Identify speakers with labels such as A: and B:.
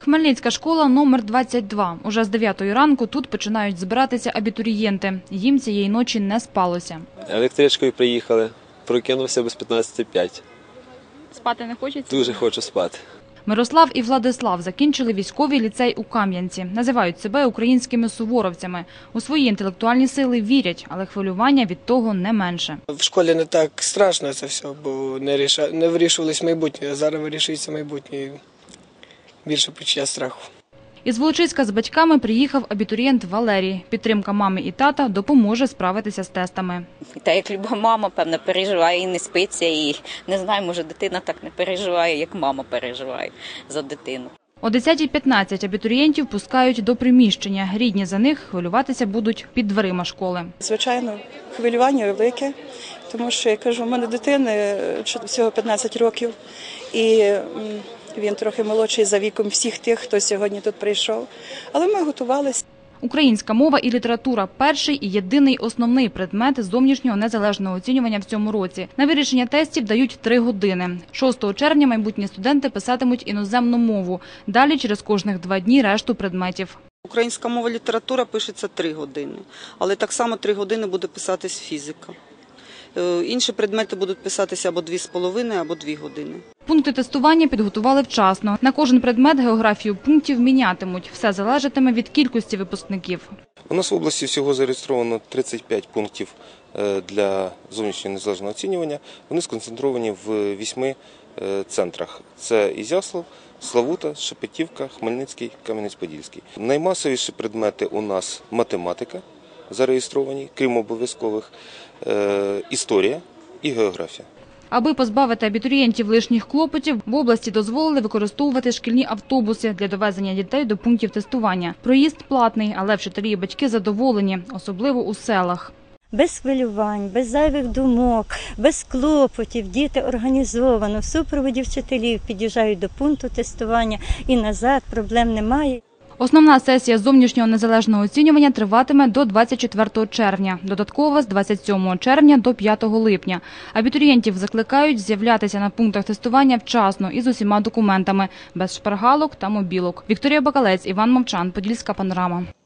A: Хмельницька школа номер 22. Уже з 9-ї ранку тут починають збиратися абітурієнти. Їм цієї ночі не спалося.
B: Електричкою приїхали, прокинувся без 15:05.
A: Спати не хочеться?
B: Дуже хочу спати.
A: Мирослав і Владислав закінчили військовий ліцей у Кам'янці. Називають себе українськими суворовцями. У свої інтелектуальні сили вірять, але хвилювання від того не менше.
C: В школі не так страшно це все, бо не вирішувалось майбутнє, а зараз вирішується майбутнє. Більше почуття страху.
A: Із Волочиська з батьками приїхав абітурієнт Валерій. Підтримка мами і тата допоможе справитися з тестами.
D: Та як люба мама, певно, переживає і не спиться, і не знаю, може дитина так не переживає, як мама переживає за дитину.
A: О 10:15 абітурієнтів пускають до приміщення. Рідні за них хвилюватися будуть під дверима школи.
E: Звичайно, хвилювання велике, тому що, я кажу, у мене дитини всього 15 років, і він трохи молодший за віком всіх тих, хто сьогодні тут прийшов. Але ми готувалися.
A: Українська мова і література – перший і єдиний основний предмет зовнішнього незалежного оцінювання в цьому році. На вирішення тестів дають 3 години. 6 червня майбутні студенти писатимуть іноземну мову. Далі через кожних 2 дні решту предметів.
F: Українська мова і література пишеться 3 години, але так само 3 години буде писатись фізика. Інші предмети будуть писатися або 2,5, або 2 години.
A: Пункти тестування підготували вчасно. На кожен предмет географію пунктів мінятимуть. Все залежатиме від кількості випускників.
G: У нас в області всього зареєстровано 35 пунктів для зовнішнього незалежного оцінювання. Вони сконцентровані в 8 центрах. Це Ізяслав, Славута, Шепетівка, Хмельницький, Кам'янець-Подільський. Наймасовіші предмети у нас математика зареєстровані, крім обов'язкових, історія і географія.
A: Аби позбавити абітурієнтів лишніх клопотів, в області дозволили використовувати шкільні автобуси для довезення дітей до пунктів тестування. Проїзд платний, але вчителі і батьки задоволені, особливо у селах.
H: Без хвилювань, без зайвих думок, без клопотів, діти організовано, в супроводі вчителів під'їжджають до пункту тестування і назад, проблем немає.
A: Основна сесія зовнішнього незалежного оцінювання триватиме до 24 червня, додаткова з 27 червня до 5 липня. Абітурієнтів закликають з'являтися на пунктах тестування вчасно і з усіма документами, без шпаргалок та мобілок. Вікторія Бакалець, Іван Мовчан, Подільська панорама.